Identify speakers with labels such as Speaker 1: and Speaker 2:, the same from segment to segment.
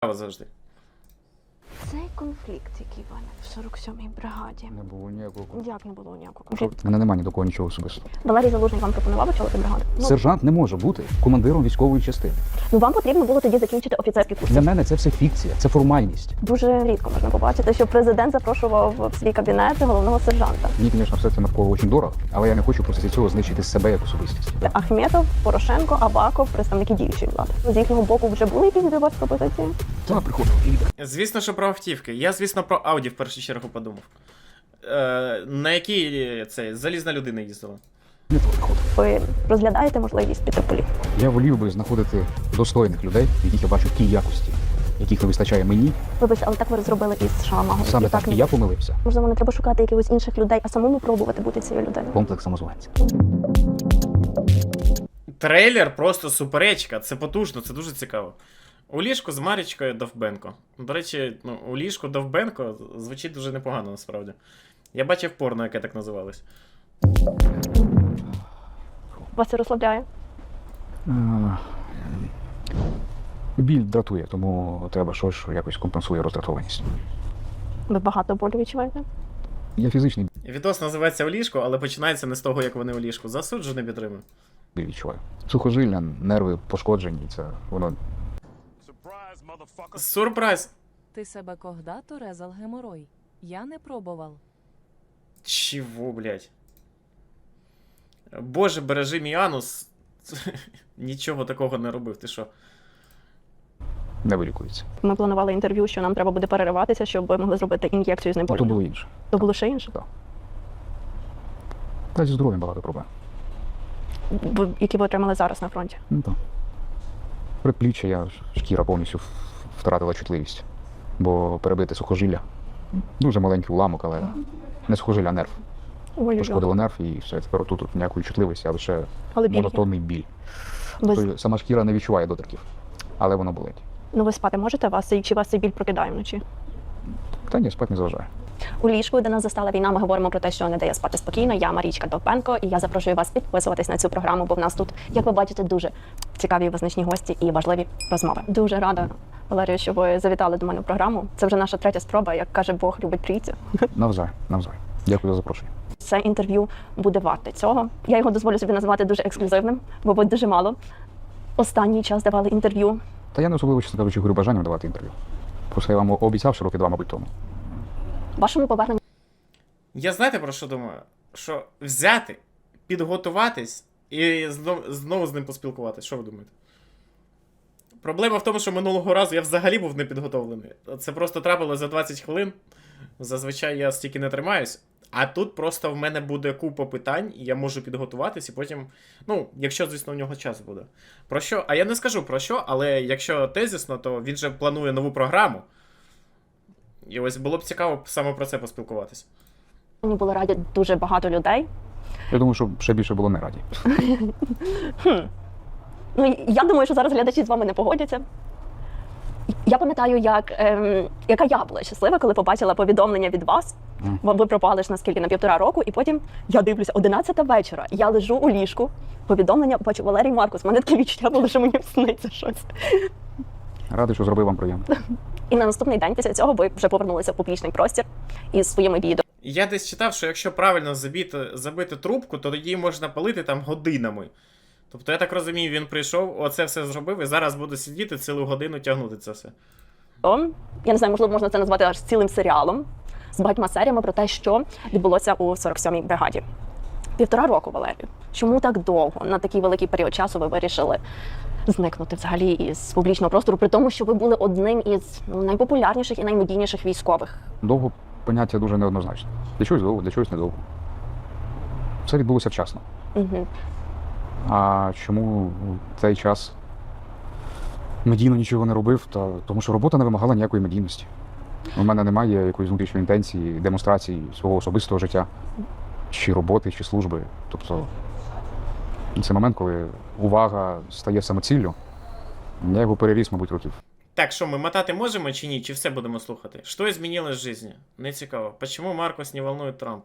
Speaker 1: цікаво завжди.
Speaker 2: Цей конфлікт, який виник в 47-й бригаді.
Speaker 3: Не було ніякого.
Speaker 2: Як не було ніякого конфлікту?
Speaker 3: У мене немає ні до кого нічого особистого.
Speaker 2: Валерій Залужний вам пропонував очолити бригаду?
Speaker 3: Сержант не може бути командиром військової частини.
Speaker 2: Ну вам потрібно було тоді закінчити офіцерський курс.
Speaker 3: Для мене це все фікція, це формальність.
Speaker 2: Дуже рідко можна побачити, що президент запрошував в свій кабінет головного сержанта.
Speaker 3: Мені, звісно, все це навколо дуже дорого, але я не хочу просто цього знищити себе як особистість.
Speaker 2: Ахметов, Порошенко, Аваков, представники діючої влади. З їхнього боку вже були якісь до вас пропозиції?
Speaker 3: Так, приходив.
Speaker 1: Звісно, що про автівки. Я, звісно, про Ауді в першу чергу подумав. На якій цей залізна людина їздила?
Speaker 3: Не приходив.
Speaker 2: Ви розглядаєте можливість піти в політику?
Speaker 3: Я волів би знаходити достойних людей, в яких я бачу ті якості, яких не вистачає мені.
Speaker 2: Вибачте, але так ви зробили із Шаламагом.
Speaker 3: Саме так і я помилився.
Speaker 2: Можливо, не треба шукати якихось інших людей, а самому пробувати бути цією людиною.
Speaker 3: Комплекс самозванця.
Speaker 1: Трейлер просто суперечка, це потужно, це дуже цікаво. У ліжку з Марічкою Довбенко. До речі, у ліжку Довбенко звучить дуже непогано, насправді. Я бачив порно, яке так називалось.
Speaker 2: Вас це розслабляє?
Speaker 3: Біль дратує, тому треба щось, що якось компенсує роздратованість.
Speaker 2: Ви багато болю відчуваєте?
Speaker 3: Я фізичний
Speaker 1: Відос називається «У ліжку», але починається не з того, як вони у ліжку. Засуджу, не підтримую.
Speaker 3: біль відчуваю. Сухожилля, нерви пошкоджені, це воно.
Speaker 1: Сюрприз!
Speaker 4: Ты себе когда-то резал геморрой? Я не пробовал.
Speaker 1: Чего, блядь? Боже, бережи мій анус. Нічого такого не робив, ти що?
Speaker 3: Не вилікується.
Speaker 2: Ми планували інтерв'ю, що нам треба буде перериватися, щоб ви могли зробити ін'єкцію
Speaker 3: То
Speaker 2: знеболювання.
Speaker 3: було інше.
Speaker 2: То було ще інше?
Speaker 3: Та зі здоров'ям багато проблем.
Speaker 2: Які ви отримали зараз на фронті?
Speaker 3: Ну так. Предпліччя, шкіра повністю втратила чутливість. Бо перебите сухожилля. Дуже маленький уламок, але не сухожилля, а нерв. Пошкодило нерв і все. Тепер тут ніякої чутливості, а лише
Speaker 2: Але біль є.
Speaker 3: монотонний біль.
Speaker 2: Ви...
Speaker 3: Тобто сама шкіра не відчуває доторків, але воно болить.
Speaker 2: Ну ви спати можете чи вас цей біль прокидає вночі?
Speaker 3: Та ні, спать не заважає.
Speaker 2: У ліжку, де нас застала війна, ми говоримо про те, що не дає спати спокійно. Я Марічка Довбенко, і я запрошую вас підписуватись на цю програму, бо в нас тут, як ви бачите, дуже цікаві і визначні гості і важливі розмови. Дуже рада, Валерію, що ви завітали до мене в програму. Це вже наша третя спроба, як каже Бог, любить трійцю.
Speaker 3: Навзай. Дякую за запрошення.
Speaker 2: Це інтерв'ю буде варте цього. Я його дозволю собі назвати дуже ексклюзивним, бо ви дуже мало останній час давали інтерв'ю.
Speaker 3: Та я не особливо, чесно кажучи, горю бажанням давати інтерв'ю. Просто я вам обіцяв, що роки 2, мабуть, тому.
Speaker 2: Вашому поверненню
Speaker 1: Я знаєте про що думаю? Що взяти, підготуватись і знову з ним поспілкуватись. Що ви думаєте? Проблема в тому, що минулого разу я взагалі був не підготовлений. Це просто трапилось за 20 хвилин. Зазвичай я стільки не тримаюсь. А тут просто в мене буде купа питань, і я можу підготуватись, і потім, якщо, звісно, у нього час буде. Про що? А я не скажу про що, але якщо тезісно, то він же планує нову програму. І ось було б цікаво саме про це поспілкуватись.
Speaker 2: було раді дуже багато людей.
Speaker 3: Я думаю, що ще більше було не раді.
Speaker 2: Ну, я думаю, що зараз глядачі з вами не погодяться. Я пам'ятаю, яка я була щаслива, коли побачила повідомлення від вас. Ви пропали ж наскільки на 1,5 року, і потім я дивлюся, 11 вечора, я лежу у ліжку, повідомлення, бачу, Валерій Маркус, в мене таке відчуття було, що мені сниться щось.
Speaker 3: Радий, що зробив вам приємно.
Speaker 2: І на наступний день після цього ви вже повернулися в публічний простір із своїми відео.
Speaker 1: Я десь читав, що якщо правильно забити трубку, то тоді можна палити там годинами. Тобто, я так розумію, він прийшов, оце все зробив, і зараз буде сидіти цілу годину тягнути це все.
Speaker 2: Я не знаю, можливо, можна це назвати аж цілим серіалом з багатьма серіями про те, що відбулося у 47-й бригаді. 1,5 року, Валерію. Чому так довго, на такий великий період часу ви вирішили зникнути взагалі із публічного простору, при тому, що ви були одним із найпопулярніших і наймедійніших військових?
Speaker 3: Довго поняття дуже неоднозначне. Для чогось довго, для чогось недовго. Все відбулося вчасно.
Speaker 2: Угу.
Speaker 3: А чому в цей час медійно нічого не робив? Тому що робота не вимагала ніякої медійності. У мене немає якоїсь внутрішньої інтенції, демонстрації свого особистого життя, чи роботи, чи служби. Тобто це момент, коли увага стає самоціллю. Я його переріс, мабуть, років.
Speaker 1: Так, що, ми мотати можемо чи ні? Чи все будемо слухати? Що змінилось в житті? Не цікаво. Почему Маркос не волнует Трамп?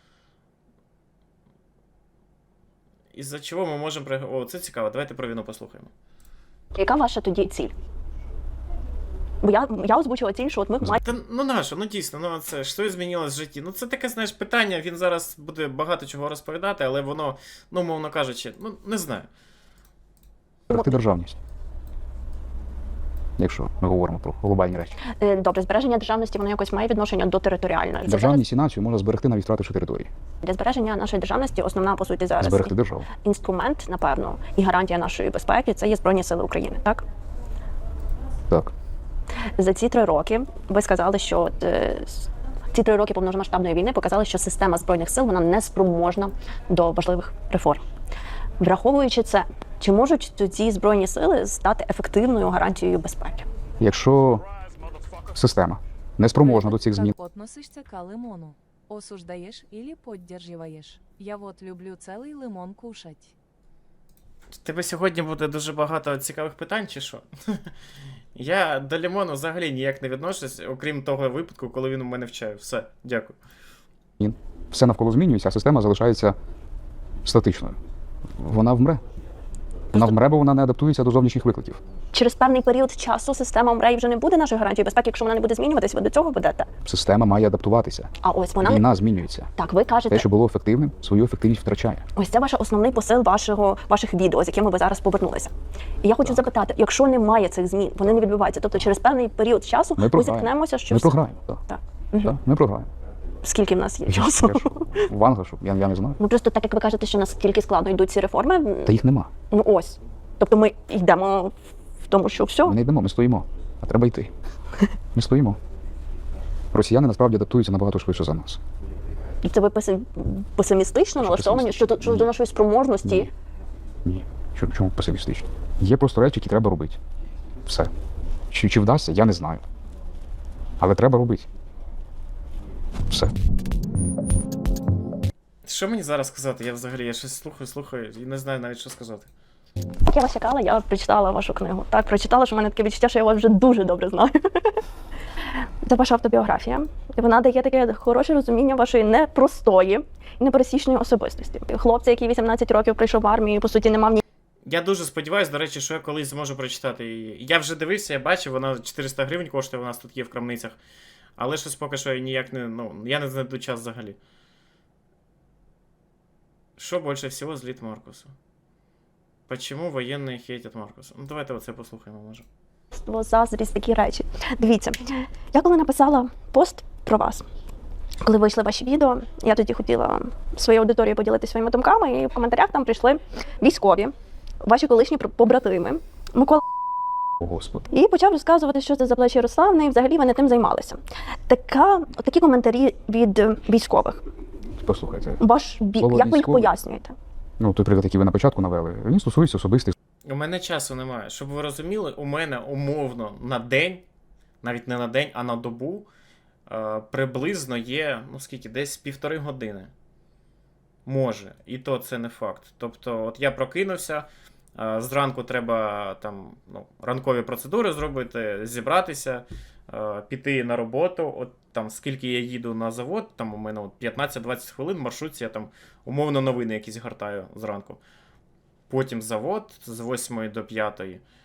Speaker 1: Із-за чого ми можемо... О, це цікаво. Давайте про війну послухаємо.
Speaker 2: Яка ваша тоді ціль? Бо я озвучила ціль, що от ми маємо
Speaker 1: Та ну нащо, ну дійсно, ну це що змінилось в житті? Ну це таке, знаєш, питання, він зараз буде багато чого розповідати, але воно, ну, мовно кажучи, ну не знаю.
Speaker 3: Берегти державність. Якщо ми говоримо про глобальні речі.
Speaker 2: добре, збереження державності, воно якось має відношення до територіальної. Це
Speaker 3: Державність і націю можна зберегти, навіть втративши території.
Speaker 2: для збереження нашої державності основна, по суті, зараз
Speaker 3: Зберегти державу.
Speaker 2: інструмент, напевно, і гарантія нашої безпеки це є Збройні Сили України. Так?
Speaker 3: Так.
Speaker 2: За ці 3 роки ви сказали, що ці 3 роки повномасштабної війни показали, що система Збройних сил вона не спроможна до важливих реформ. Враховуючи це, чи можуть ці Збройні сили стати ефективною гарантією безпеки?
Speaker 3: Якщо система не спроможна до цих змін,
Speaker 4: Как относишься к лимону? Осуждаешь или поддерживаешь? Я вот люблю целый лимон кушать.
Speaker 1: У тебе сьогодні буде дуже багато цікавих питань, чи що? Я до лімону взагалі ніяк не відношусь, окрім того випадку, коли він у мене вчає. Все, дякую.
Speaker 3: все навколо змінюється, а система залишається статичною. Вона вмре. Вона вмре, бо вона не адаптується до зовнішніх викликів.
Speaker 2: Через певний період часу система МРЕ вже не буде нашою гарантією безпеки, якщо вона не буде змінюватись, ви до цього ведете.
Speaker 3: Система має адаптуватися.
Speaker 2: А ось вона
Speaker 3: Війна змінюється.
Speaker 2: так, ви кажете,
Speaker 3: Те, що було ефективним, свою ефективність втрачає.
Speaker 2: ось це ваш основний посил ваших відео, з якими ви зараз повернулися. І я хочу запитати, якщо немає цих змін, вони не відбуваються, тобто через певний період часу
Speaker 3: Ми
Speaker 2: ми
Speaker 3: програємо.
Speaker 2: зіткнемося, що
Speaker 3: Ми програємо. Так.
Speaker 2: Так.
Speaker 3: Так, ми програємо.
Speaker 2: Скільки в нас є
Speaker 3: Я
Speaker 2: часу?
Speaker 3: ж в Ангошу, я не знаю.
Speaker 2: Ну просто так як ви кажете, що наскільки складно йдуть ці реформи,
Speaker 3: Та їх нема.
Speaker 2: ну ось. Тобто ми йдемо в тому, що все.
Speaker 3: Ми не йдемо, ми стоїмо. А треба йти. Ми стоїмо. Росіяни насправді адаптуються набагато швидше за нас.
Speaker 2: І це ви песимістично налаштовані щодо нашої спроможності.
Speaker 3: Ні. Чому песимістично? Є просто речі, які треба робити. Все. Чи вдасться, я не знаю. Але треба робити. Все.
Speaker 1: Що мені зараз сказати? Я взагалі, я щось слухаю і не знаю навіть, що сказати.
Speaker 2: Як я вас чекала, я прочитала вашу книгу. Так, прочитала, що в мене таке відчуття, що я вас вже дуже добре знаю. Це ваша автобіографія. І вона дає таке хороше розуміння вашої непростої і непересічної особистості. Хлопця, який 18 років прийшов в армію, по суті, не мав ні.
Speaker 1: Я дуже сподіваюся, до речі, що я колись зможу прочитати її. Я вже дивився, я бачив, вона 400 гривень коштує, у нас тут є в крамницях. Але щось поки що я ніяк не. Ну, я не знайду час взагалі. Що більше всього злит Маркуса? Почему воєнні хейтять Маркуса? Ну, давайте оце послухаємо, може.
Speaker 2: Заздрість, такі речі. Дивіться, я коли написала пост про вас, коли вийшли ваші відео, я тоді хотіла своєю аудиторією поділитися своїми думками, і в коментарях там прийшли військові, ваші колишні побратими, Микола,
Speaker 3: О, Господи.
Speaker 2: і почав розказувати, що це за плечі Ярославни, і взагалі вони тим займалися. Такі коментарі від військових.
Speaker 3: Послухайте.
Speaker 2: Ваш бік,
Speaker 3: Слово
Speaker 2: як ви їх
Speaker 3: військовий.
Speaker 2: пояснюєте?
Speaker 3: Ну, той приклад, який ви на початку навели, він стосується особистих
Speaker 1: У мене часу немає. Щоб ви розуміли, у мене умовно на день, навіть не на день, а на добу, приблизно є, ну скільки, десь 1,5 години. Може. І то це не факт. Тобто, от я прокинувся, зранку треба там, ну, ранкові процедури зробити, зібратися, піти на роботу. От там скільки я їду на завод, там у мене от 15-20 хвилин в маршрутці, я там умовно новини якісь гортаю зранку. Потім завод з 8 до 5.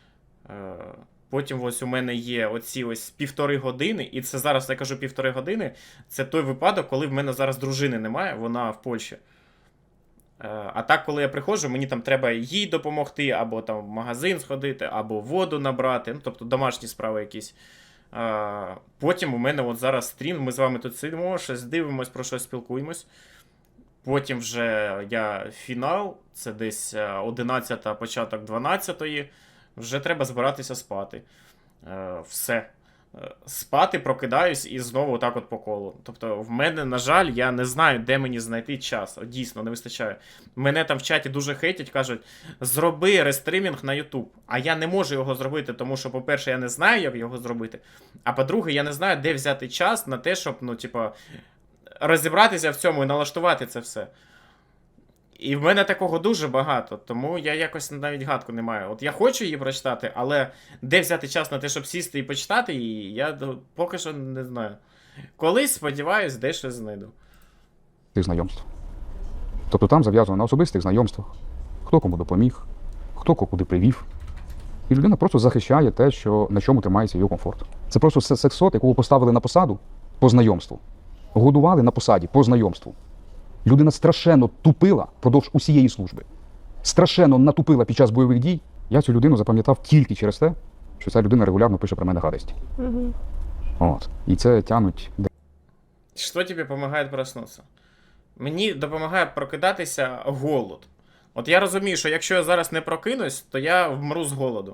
Speaker 1: Потім ось у мене є оці ось 1,5 години, і це зараз я кажу 1,5 години, це той випадок, коли в мене зараз дружини немає, вона в Польщі. А так, коли я приходжу, мені там треба їй допомогти, або там в магазин сходити, або воду набрати, ну, тобто домашні справи якісь. Потім у мене от зараз стрім, ми з вами тут сидимо, щось дивимось, про щось спілкуємось. Потім вже я фінал, це десь 11-та, початок 12-ї, вже треба збиратися спати. Все. Спати, прокидаюсь і знову отак от по колу. Тобто в мене, на жаль, я не знаю, де мені знайти час. От, дійсно, не вистачає. Мене там в чаті дуже хейтять, кажуть, зроби рестримінг на YouTube. А я не можу його зробити, тому що, по-перше, я не знаю, як його зробити. А по-друге, я не знаю, де взяти час на те, щоб, ну, типа, розібратися в цьому і налаштувати це все. І в мене такого дуже багато, тому я якось навіть гадку не маю. От я хочу її прочитати, але де взяти час на те, щоб сісти і почитати її, я поки що не знаю. Колись, сподіваюсь, дещо знайду.
Speaker 3: знайомств. Тобто там зав'язано на особистих знайомствах, хто кому допоміг, хто куди привів. І людина просто захищає те, що, на чому тримається її комфорт. Це просто сексот, якого поставили на посаду по знайомству. Годували на посаді по знайомству. Людина страшенно тупила впродовж усієї служби. Страшенно натупила під час бойових дій. Я цю людину запам'ятав тільки через те, що ця людина регулярно пише про мене гадості.
Speaker 2: Угу.
Speaker 3: От. І це тянуть.
Speaker 1: Що тобі допомагає проснутися? Мені допомагає прокидатися голод. От я розумію, що якщо я зараз не прокинусь, то я вмру з голоду.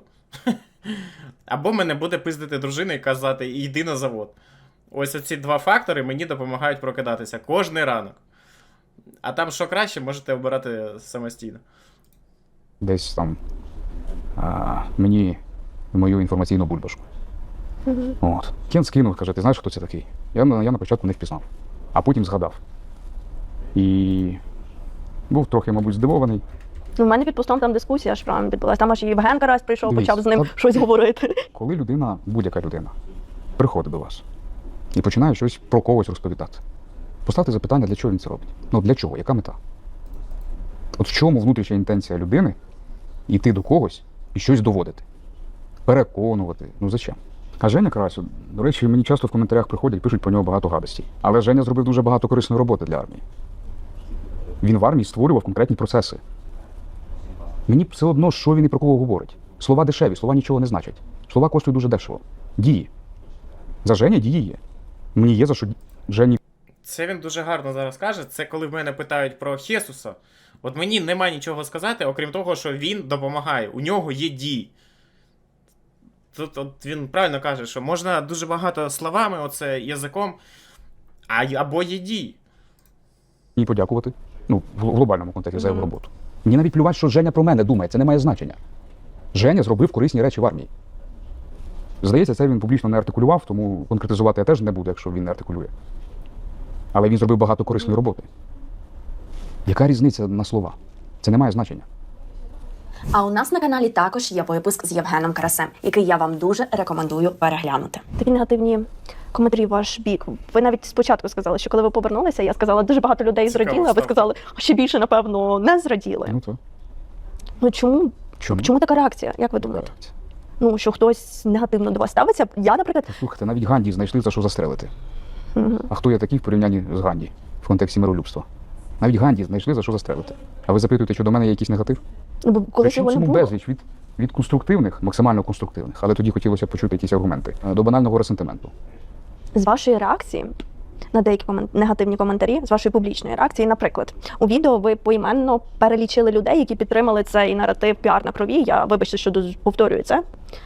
Speaker 1: Або мене буде пиздити дружина і казати, йди на завод. Ось оці два фактори мені допомагають прокидатися кожний ранок. А там що краще, можете обирати самостійно.
Speaker 3: Десь там мені мою інформаційну бульбашку. От. Кен скинув, каже, ти знаєш, хто це такий? Я на початку не впізнав, а потім згадав. І був трохи, мабуть, здивований.
Speaker 2: У мене під постом там дискусія аж прямо відбулася. Там аж і Євген Карась прийшов,
Speaker 3: Дивись,
Speaker 2: почав з ним
Speaker 3: от-
Speaker 2: щось говорити.
Speaker 3: Коли людина, будь-яка людина, приходить до вас і починає щось про когось розповідати, поставте запитання, для чого він це робить. Ну, для чого? Яка мета? От в чому внутрішня інтенція людини йти до когось і щось доводити? Переконувати. Ну, зачем? А Женя Карась, до речі, мені часто в коментарях приходять, пишуть про нього багато гадостей. Але Женя зробив дуже багато корисної роботи для армії. Він в армії створював конкретні процеси. Мені все одно, що він і про кого говорить. Слова дешеві, слова нічого не значать. Слова коштують дуже дешево. Дії. За Женя дії є. Мені є за що Жені.
Speaker 1: Це він дуже гарно зараз каже. Це коли в мене питають про Хесуса. От мені нема нічого сказати, окрім того, що він допомагає. У нього є дії. Тут от він правильно каже, що можна дуже багато словами, оце язиком, або є дії.
Speaker 3: Мені подякувати. Ну, в глобальному контексті за його роботу. Мені навіть плювати, що Женя про мене думає, це не має значення. Женя зробив корисні речі в армії. Здається, це він публічно не артикулював, тому конкретизувати я теж не буду, якщо він не артикулює. Але він зробив багато корисної роботи. Яка різниця на слова? Це не має значення.
Speaker 5: А у нас на каналі також є випуск з Євгеном Карасем, який я вам дуже рекомендую переглянути.
Speaker 2: Такі негативні коментарі в ваш бік. Ви навіть спочатку сказали, що коли ви повернулися, я сказала, дуже багато людей
Speaker 1: Цікаво
Speaker 2: зраділи, а ви
Speaker 1: стало.
Speaker 2: сказали, ще більше, напевно, не зраділи.
Speaker 3: Ну то.
Speaker 2: Ну чому?
Speaker 3: Чому?
Speaker 2: Чому така реакція? Як ви думаєте? Ну, що хтось негативно до вас ставиться? Я, наприклад,
Speaker 3: Слухайте, навіть Ганді знайшли за що застрелити.
Speaker 2: Мгм.
Speaker 3: А хто я такий в порівнянні з Ганді в контексті миролюбства? Навіть Ганді знайшли за що застрелити. А ви запитуєте, що до мене є якийсь негатив?
Speaker 2: ну, бо коли
Speaker 3: Причому
Speaker 2: цього не
Speaker 3: цьому
Speaker 2: було.
Speaker 3: безліч від конструктивних, максимально конструктивних, але тоді хотілося почути якісь аргументи, до банального ресентименту.
Speaker 2: З вашої реакції на деякі негативні коментарі, з вашої публічної реакції, наприклад, у відео ви поіменно перелічили людей, які підтримали цей наратив піар на крові. Я, вибачте, що повторюю це.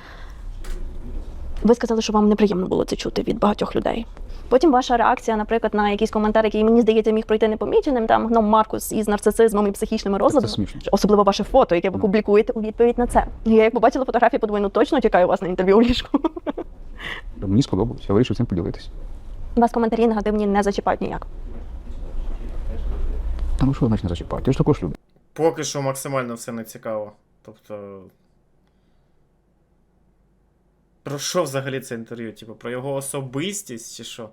Speaker 2: Ви сказали, що вам неприємно було це чути від багатьох людей. Потім ваша реакція, наприклад, на якийсь коментар, який, мені здається, міг пройти непоміченим, там гном Маркус із нарцисизмом і психічними розладами.
Speaker 3: смішно.
Speaker 2: Особливо ваше фото, яке ви публікуєте у відповідь на це. Я як побачила фотографії, подумаю, ну точно чекаю вас на інтерв'ю у ліжку.
Speaker 3: Мені сподобалось, я вирішив цим поділитись.
Speaker 2: Вас коментарі негативні не зачіпають ніяк.
Speaker 3: Та ну що значить не зачіпати? Я ж також люблю.
Speaker 1: Поки що максимально все не цікаво. Тобто. Про що взагалі це інтерв'ю? Типу, про його особистість чи що?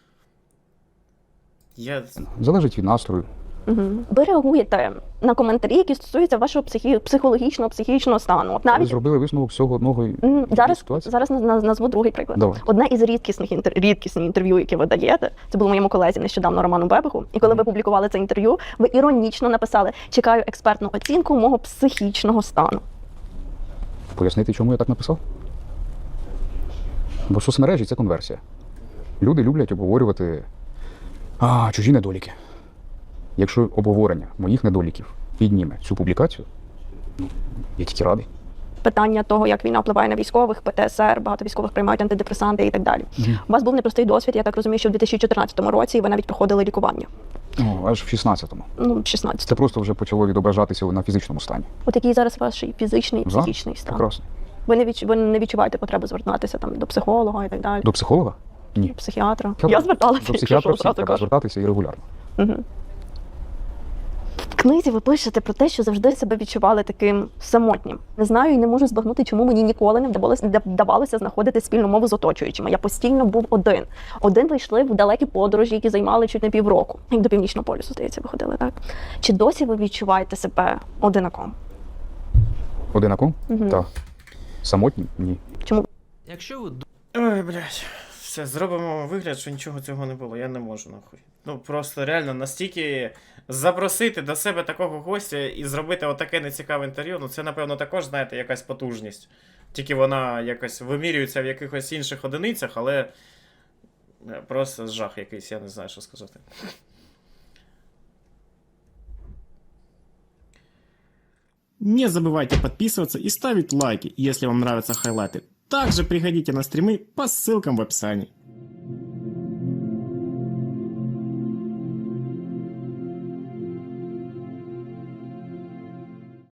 Speaker 1: Я.
Speaker 3: Залежить від настрою.
Speaker 2: Угу. Ви реагуєте на коментарі, які стосуються вашого психічного стану. От
Speaker 3: Ви
Speaker 2: навіть
Speaker 3: зробили висновок всього одного
Speaker 2: зараз
Speaker 3: ситуації?
Speaker 2: назву другий приклад.
Speaker 3: Давай.
Speaker 2: Одне із рідкісних інтерв'ю, яке ви даєте, це було моєму колезі нещодавно Роману Бебеху. І коли ви публікували це інтерв'ю, ви іронічно написали: чекаю експертну оцінку мого психічного стану.
Speaker 3: Пояснити, чому я так написав? Бо соцмережі – це конверсія. Люди люблять обговорювати чужі недоліки. Якщо обговорення моїх недоліків підніме цю публікацію, я тільки радий.
Speaker 2: Питання того, як війна впливає на військових, ПТСР, багато військових приймають антидепресанти і так далі. У вас був непростий досвід, я так розумію, що в 2014 році ви навіть проходили лікування.
Speaker 3: Аж в 16-му.
Speaker 2: Ну, 16.
Speaker 3: Це просто вже почало відображатися на фізичному стані.
Speaker 2: От який зараз ваш фізичний і
Speaker 3: Зараз?
Speaker 2: психічний стан?
Speaker 3: Прекрасно.
Speaker 2: Ви не відчуваєте потреби звертатися там до психолога і так далі?
Speaker 3: До психолога? Ні.
Speaker 2: Психіатра. Я зверталася,
Speaker 3: До
Speaker 2: якщо
Speaker 3: психіатра
Speaker 2: що,
Speaker 3: всім
Speaker 2: зразу
Speaker 3: треба
Speaker 2: кажу.
Speaker 3: звертатися і регулярно.
Speaker 2: Угу. В книзі ви пишете про те, що завжди себе відчували таким самотнім. Не знаю і не можу збагнути, чому мені ніколи не вдавалося знаходити спільну мову з оточуючими. Я постійно був один. Один ви йшли в далекі подорожі, які займали чуть не півроку. Як до Північного полюсу, здається, ви ходили, так? Чи досі ви відчуваєте себе одинаком?
Speaker 3: Одинаком?
Speaker 2: Мгм.
Speaker 3: Так. Самотнім? Ні.
Speaker 2: Чому?
Speaker 6: Якщо ви
Speaker 1: Ой, блядь. Все, зробимо вигляд, що нічого цього не було. Я не можу, нахуй. Ну просто реально настільки запросити до себе такого гостя і зробити отаке нецікаве інтерв'ю, ну це, напевно, також, знаєте, якась потужність. Тільки вона якось вимірюється в якихось інших одиницях, але просто жах якийсь, я не знаю, що сказати.
Speaker 6: Не забывайте подписываться и ставить лайки, если вам нравятся хайлайты. Также приходите на стримы по ссылкам в описании.